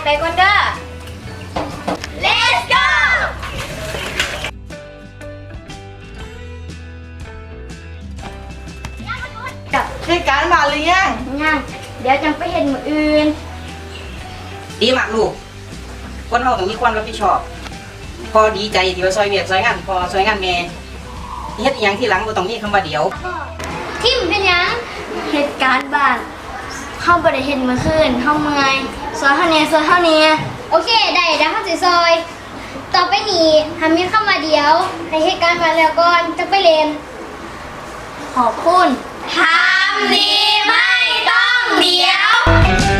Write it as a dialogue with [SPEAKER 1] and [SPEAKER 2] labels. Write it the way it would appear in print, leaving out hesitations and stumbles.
[SPEAKER 1] ไปก่อนเด้อ Let's go
[SPEAKER 2] เหตุการณ์มาหรือยัง
[SPEAKER 1] ยังเดี๋ยวจังไปเห็นมืออื่น
[SPEAKER 3] ดีมากลูกคนเราต้องมีความรับผิดชอบพอดีใจที่ว่าซอยเวียกซอยงานพอซอยงานแม่เฮ็ดอหยังที่หลังบ่ต้องมีคำว่าเดี๋ยว
[SPEAKER 1] ทิมเป็นยังเหตุการณ์บ้านเข้าบ่ได้เห็นเมื่อคืนเข้าเมื่อยซอยเท่านี้ซอยเท่านี้โอเคได้แล้วเข้าสิซอย ต่อไปนี้ทำมีเข้ามาเดียวให้เหตุการณ์มาแล้วก่อนจะไปเรียนขอบคุณทำดีไม่ต้องเดี๋ยว